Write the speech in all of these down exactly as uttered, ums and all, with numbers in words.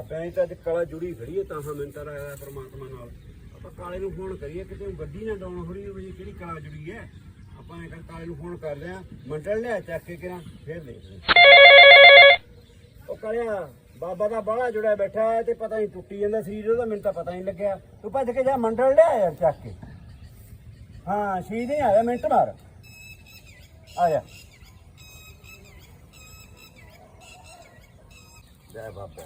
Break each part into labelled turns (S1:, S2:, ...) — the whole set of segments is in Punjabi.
S1: ਬਾਬਿਆਂ ਤਾਂ ਅੱਜ ਕਲਾ ਜੁੜੀ ਖੜੀ ਹੈ ਤਾਂ ਹਾਂ ਮਿੰਟਰ ਆਇਆ ਪਰਮਾਤਮਾ ਨਾਲ ਆਪਾਂ ਕਾਲੇ ਨੂੰ ਫੋਨ ਕਰੀਏ ਕਿਤੇ ਗੱਡੀ ਨਾ ਡਾਉਣ ਹੋ ਰਹੀ ਹੋਵੇ ਕਿਹੜੀ ਕਲਾ ਜੁੜੀ ਹੈ ਆਪਾਂ ਇਹ ਕਾਲੇ ਨੂੰ ਫੋਨ ਕਰਦੇ ਆ ਮੰਡਲ ਲਿਆ ਚੱਕ ਕੇ ਕਿਰਾਂ ਫੇਰ ਦੇਖਦੇ ਉਹ ਕਾਲਿਆ ਬਾਬਾ ਦਾ ਬਾਹਲਾ ਜੁੜਿਆ ਬੈਠਾ ਹੈ ਤੇ ਪਤਾ ਨਹੀਂ ਟੁੱਟੀ ਜਾਂਦਾ ਸਰੀਰ ਉਹਦਾ ਮੈਨੂੰ ਤਾਂ ਪਤਾ ਨਹੀਂ ਲੱਗਿਆ ਤੂੰ ਭੱਜ ਕੇ ਜਾ ਮੰਡਲ ਲਿਆ ਯਾਰ ਚੱਕ ਕੇ ਹਾਂ ਸ਼ੀਦ ਨਹੀਂ ਆਇਆ ਮਿੰਟ ਮਾਰ ਆ ਜਾ ਜੈ ਬਾਬਾ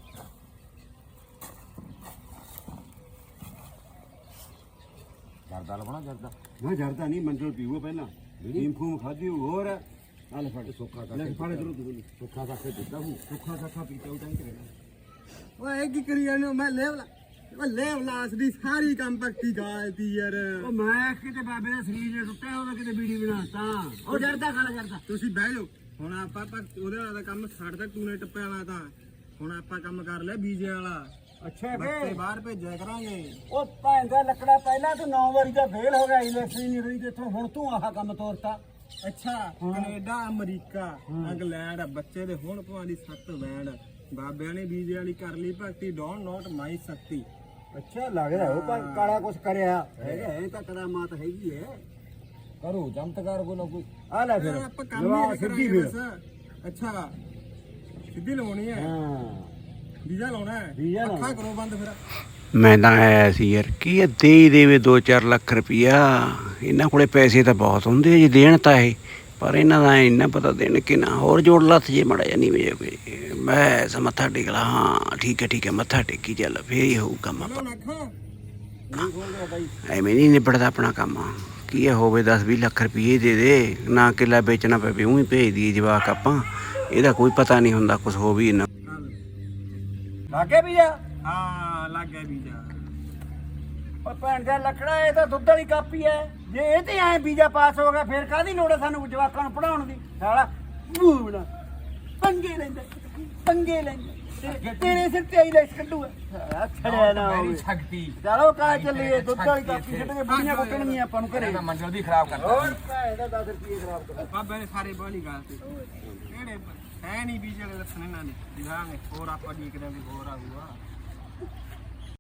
S1: ਜਰਦਾ ਲਵਣਾ ਜਰਦਾ ਨਾ ਜਰਦਾ ਨਹੀਂ ਮੰਡਲ ਪੀਓ ਪਹਿਲਾਂ ਨੀਮ ਫੂਮ ਖਾਦੀ ਹੋਰ ਆਲੇ ਫੜ ਸੁੱਖਾ ਕਰ ਲੈ ਫੜ ਜਰੂਰ ਤੂੰ ਸੁੱਖਾ ਕਰਕੇ ਦਿੱਤਾ ਹੂੰ ਸੁੱਖਾ ਸਾਖਾ ਪੀਤਾ ਉਹ ਤਾਂ ਹੀ ਕਰੇਗਾ
S2: ਓਏ ਕੀ ਕਰੀ ਜਾਨੇ ਮੈਂ ਲੈਵਲਾ ਉਹ ਲੈਵਲਾਸ ਦੀ ਸਾਰੀ ਕੰਪੈਕਟੀ ਗਾਲਤੀ ਯਾਰ
S1: ਉਹ ਮੈਂ ਕਿਤੇ ਬਾਬੇ ਦਾ ਸਰੀਰ ਨੇ ਟੁੱਟਿਆ ਉਹਦਾ ਕਿਤੇ ਬੀੜੀ ਬਣਾਤਾ ਉਹ ਜਰਦਾ ਖਾਣਾ ਜਰਦਾ
S2: ਤੁਸੀਂ ਬਹਿ ਜਾਓ ਹੁਣ ਆਪਾਂ ਆਪਾਂ ਉਹਦੇ ਵਾਲਾ ਕੰਮ ਛੱਡਦਾ ਟੂਨੇ ਟੱਪੇ ਵਾਲਾ ਤਾਂ ਹੁਣ ਆਪਾਂ ਕੰਮ ਕਰ ਲਿਆ ਬੀਜੇ ਵਾਲਾ
S1: ਅੱਛਾ
S2: ਬੱਚੇ ਬਾਹਰ ਭੇਜਿਆ ਕਰਾਂਗੇ
S1: ਉਹ ਭੈਣ ਦਾ ਲੱਕੜਾ ਪਹਿਲਾਂ ਤੂੰ ਨੌ ਵਾਰੀ ਦਾ ਫੇਲ ਹੋ ਗਿਆ ਇਲੈਕਸ਼ਨ ਨਹੀਂ ਹੋਈ ਤੇ ਇੱਥੋਂ ਹੁਣ ਤੂੰ ਆਹ ਕੰਮ ਤੋਰਤਾ
S2: ਅੱਛਾ ਕੈਨੇਡਾ ਅਮਰੀਕਾ ਇੰਗਲੈਂਡ ਬੱਚੇ ਦੇ ਹੁਣ ਭਾਂ ਦੀ ਸੱਤ ਵੈਣ ਬਾਬਿਆਂ ਨੇ ਬੀਜੇ ਵਾਲੀ ਕਰ ਲਈ ਭਗਤੀ ਡੋਂਟ ਨੋਟ ਮਾਈ ਸ਼ਕਤੀ
S1: ਅੱਛਾ ਲੱਗਦਾ ਉਹ ਪਰ ਕਾਲਾ ਕੁਛ ਕਰਿਆ ਹੈਗਾ ਇਹ ਤਾਂ ਕਰਾਮਾਤ ਹੈਗੀ ਹੈ ਕਰੋ ਚਮਤਕਾਰ ਕੋ ਨਾ ਕੋਈ ਆ ਲੈ ਫਿਰ
S2: ਆਪਾਂ ਕੰਮ ਹੀ
S1: ਸਿੱਧੀ
S2: ਕਰਾਂਗੇ
S1: ਫਿਰ
S2: ਬਸ ਅੱਛਾ ਸਿੱਧੀ ਲਾਉਣੀ ਹੈ
S1: ਹਾਂ
S2: ਵੀਜ਼ਾ ਲਾਉਣਾ ਹੈ
S1: ਵੀਜ਼ਾ ਲਾਉਣਾ।
S2: ਅੱਖਾਂ ਕਰੋ ਬੰਦ ਫਿਰ
S3: ਮੈਂ ਤਾਂ ਆਇਆ ਸੀ ਯਾਰ ਕੀ ਹੈ ਦੇ ਹੀ ਦੇਵੇ ਦੋ ਚਾਰ ਲੱਖ ਰੁਪਈਆ ਇਹਨਾਂ ਕੋਲੇ ਪੈਸੇ ਤਾਂ ਬਹੁਤ ਹੁੰਦੇ ਆ ਜੀ ਦੇਣ ਤਾਂ ਇਹ ਪਰ ਇਹਨਾਂ ਦਾ ਇੰਨਾ ਪਤਾ ਦੇਣ ਕਿ ਨਾ ਹੋਰ ਜੋੜ ਲੱਥ ਜੇ ਮੜਾ ਜਾ ਨਹੀਂ ਵੇ ਕੋਈ ਮੈਂ ਸ ਮੱਥਾ ਟੇਕ ਲਾ ਹਾਂ ਠੀਕ ਹੈ ਠੀਕ ਹੈ ਮੱਥਾ ਟੇਕੀ ਚੱਲ ਫੇਰ ਹੀ ਹੋਊ ਕੰਮ ਆਪਾਂ
S2: ਲਾਉਣਾ ਅੱਖਾਂ
S1: ਨਹੀਂ ਖੋਲ ਰਿਹਾ ਬਾਈ
S3: ਐਵੇਂ ਨਹੀਂ ਨਿਬੜਦਾ ਆਪਣਾ ਕੰਮ ਕੀ ਹੈ ਹੋਵੇ ਦਸ ਵੀਹ ਲੱਖ ਰੁਪਈਏ ਦੇ ਦੇ ਨਾ ਕਿੱਲਾ ਵੇਚਣਾ ਪਵੇ ਉਹ ਹੀ ਭੇਜ ਦਈਏ ਜਵਾਕ ਆਪਾਂ ਇਹਦਾ ਕੋਈ ਪਤਾ ਨਹੀਂ ਹੁੰਦਾ ਕੁਛ ਹੋ ਵੀ ਨਾ
S1: ਲਾਗੇ ਵੀ ਆ
S2: ਹਾਂ ਲੱਗ ਗਿਆ ਵੀਜ਼ਾ
S1: ਉਹ ਭੈਣ ਦਾ ਲੱਕੜਾ ਇਹ ਤਾਂ ਦੁੱਧ ਵਾਲੀ ਕਾਪੀ ਹੈ ਜੇ ਇਹ ਤੇ ਐ ਵੀਜ਼ਾ ਪਾਸ ਹੋ ਗਿਆ ਫਿਰ ਕਾਹਦੀ ਲੋੜ ਹੈ ਸਾਨੂੰ ਜਵਾਕਾਂ ਨੂੰ ਪੜਾਉਣ ਦੀ ਸਾਲਾ ਬੂਣਾ ਪੰਗੇ ਲੈਂਦਾ ਪੰਗੇ ਲੈਂਦਾ ਤੇਰੇ ਸਿਰ ਤੇ ਆਈ ਲੈਸ ਕੱਢੂਗਾ ਛੜਿਆ ਨਾ ਹੋਵੇ
S2: ਸ਼ਕਤੀ
S1: ਚਲੋ ਕਾ ਚੱਲੀਏ ਦੁੱਧ ਵਾਲੀ ਕਾਪੀ ਛੱਡ ਕੇ ਬੁੜੀਆਂ ਕੁੱਟਣਗੀਆਂ ਆਪਾਂ ਨੂੰ ਘਰੇ
S2: ਮੰਜ਼ਲ ਦੀ ਖਰਾਬ ਕਰਦਾ
S1: ਹੋਰ ਭੈਣ ਦਾ ਦਸ ਰੁਪਏ ਖਰਾਬ ਕਰ
S2: ਬਾਬੇ ਨੇ ਸਾਰੇ ਬਾਲੀ ਗੱਲ ਤੇ ਕਿਹੜੇ ਹੈ ਨਹੀਂ ਵੀਜ਼ੇ ਵਾਲੇ ਦੱਸਣੇ ਨਾ ਨੇ ਦਿਖਾਂਗੇ ਹੋਰ ਆਪਾਂ ਦੇਖਦੇ ਆਂ ਵੀ ਹੋਰ ਆਊਗਾ